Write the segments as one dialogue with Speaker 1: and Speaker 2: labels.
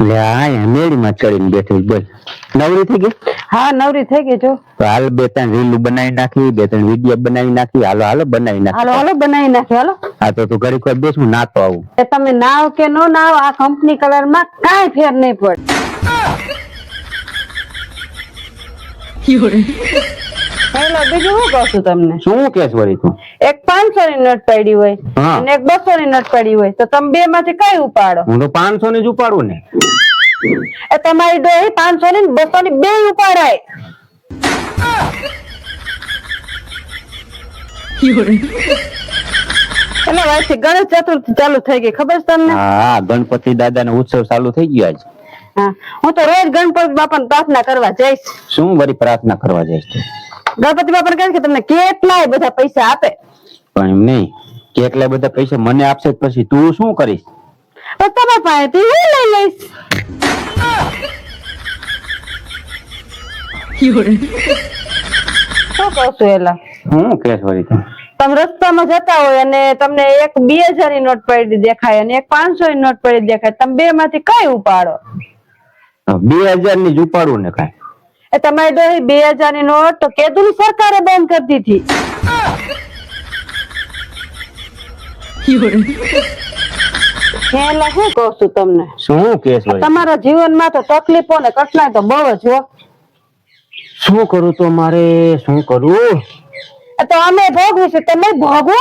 Speaker 1: લે આ મેળી માં ચડીને બેઠી બોલ નવરી થઈ ગઈ
Speaker 2: હા નવરી થઈ ગઈ જો
Speaker 1: તો હાલ બે ત્રણ રીલ બનાવી નાખી બે ત્રણ વિડીયો બનાવી નાખી હાલો હાલો બનાવી નાખી
Speaker 2: હાલો હાલો બનાવી નાખ્યો હાલો
Speaker 1: હા તો તું ઘડી કોઈ બેસ હું નાતો આવું
Speaker 2: એ તમે નાવ કે નો નાવ આ કંપની કલર માં કાંઈ ફેર નહીં પડે હેલો બીજું શું કહું છું તમને
Speaker 1: શું કેસ વળી તું
Speaker 2: એક 500 ની નોટ પડી હોય
Speaker 1: હા.
Speaker 2: અને એક 200 ની નોટ પડી હોય તો તમે બે માંથી કઈ ઉપાડો
Speaker 1: હું તો 500 ની જ ઉપાડું ને
Speaker 2: એ તમારી ડોહી 500 ની 200 ની બે ઉપાડાય એટલે વાયથી ગણેશ ચતુર્થી ચાલુ થઈ ગઈ ખબર છે તમને
Speaker 1: હા ગણપતિ દાદા નો ઉત્સવ ચાલુ થઈ ગયો આજ
Speaker 2: હા હું તો રોજ ગણપતિ બાપાને પ્રાર્થના કરવા જઈશ
Speaker 1: શું વળી પ્રાર્થના કરવા જઈશ તું
Speaker 2: ગણપતિ બાપાને કહે કે તમને કેટલાય બધા પૈસા આપે
Speaker 1: પણ એમ નહીં કેટલા બધા પૈસા મને આપશે તો પછી તું શું કરીશ
Speaker 2: તો તમારા પાસેથી હું લઈ લઈશ શું કહું છું એલા
Speaker 1: શું કેસ વળી તું
Speaker 2: તમે રસ્તામાં જતા હોય અને તમને એક 2000 ની નોટ પડી દેખાય અને એક 500 ની નોટ પડી દેખાય તમે બે માંથી કઈ ઉપાડો
Speaker 1: 2000 ની જ ઉપાડું ને કાંઈ
Speaker 2: એ તમારી ડોહી 2000 ની નોટ તો કેદુની સરકારે બેન કરી દીધી એટલે શું કહું છું તમને
Speaker 1: શું કેસ વળી
Speaker 2: તમારા જીવનમાં તો તકલીફો ને કઠણાઈ તો બહુ જ હો
Speaker 1: શું કરું તો મારે શું કરું
Speaker 2: તો અમે ભોગવું છે તમે ભોગવો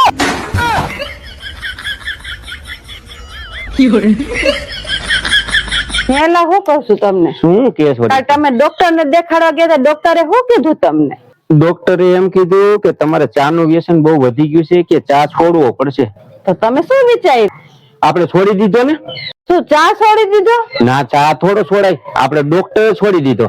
Speaker 2: હેલા શું કહું છું તમને
Speaker 1: શું કેસ વળી
Speaker 2: તમે ડોક્ટર ને દેખાડવા ગયા ડોક્ટરે શું કીધું તમને
Speaker 1: ડોક્ટરે એમ કીધું કે તમારે ચા નું વ્યસન બહુ વધી ગયું છે કે ચા છોડવો પડશે
Speaker 2: તો તમે શું વિચાર્યું
Speaker 1: આપણે છોડી દીધો ને
Speaker 2: શું ચા છોડી દીધો
Speaker 1: ના ચા થોડો છોડાય આપણે ડોક્ટરે છોડી દીધો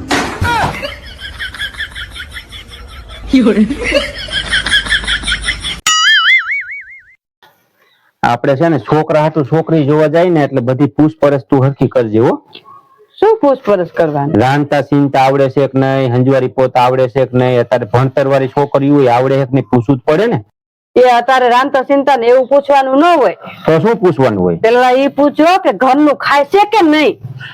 Speaker 1: આપણે છે ને છોકરા હાટુ છોકરી જોવા જાય ને એટલે બધી પૂછપરછ તું હરખી કરજે હો
Speaker 2: શું પૂછપરછ કરવાની
Speaker 1: રાંધતા સીનતા આવડે છે કે નહીં હંજવારી પોતા આવડે છે કે નહીં અત્યારે ભણતર વાળી છોકરી હોય આવડે છે કે નહીં પૂછવું જ પડે ને
Speaker 2: એ અત્યારે રાંધતા ચિંતા ને એવું પૂછવાનું ન હોય
Speaker 1: તો શું પૂછવાનું હોય
Speaker 2: પેલા એ પૂછો કે ઘરનું ખાય છે કે નહીં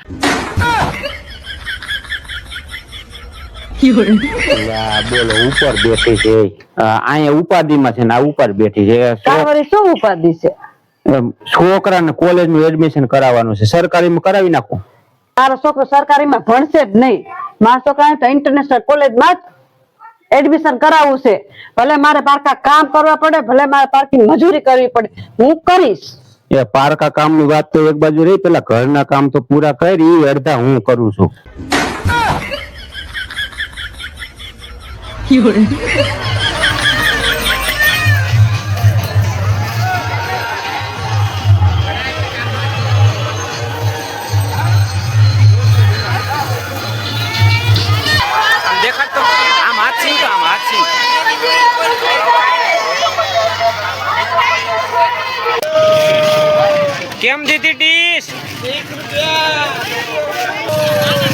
Speaker 1: બોલો ઉપર બેઠી છે અહીંયા ઉપાધિમાં છે ને આ ઉપર બેઠી છે
Speaker 2: તારી શું ઉપાધિ છે
Speaker 1: છોકરાને કોલેજ નું એડમિશન કરાવવાનું છે સરકારીમાં કરાવી નાખો
Speaker 2: મારો છોકરો સરકારીમાં ભણશે જ નહીં મારો છોકરાને તો ઇન્ટરનેશનલ કોલેજમાં જ એડમિશન કરાવવું છે ભલે મારે પારકા કામ કરવા પડે ભલે મારે પારકી મજૂરી કરવી પડે હું કરીશ
Speaker 1: એ પારકા કામની વાત તો એક બાજુ રહી પેલા ઘરના કામ તો પૂરા કરી અડધા હું કરું છું
Speaker 3: કેમ દીધી ડીશ? ₹1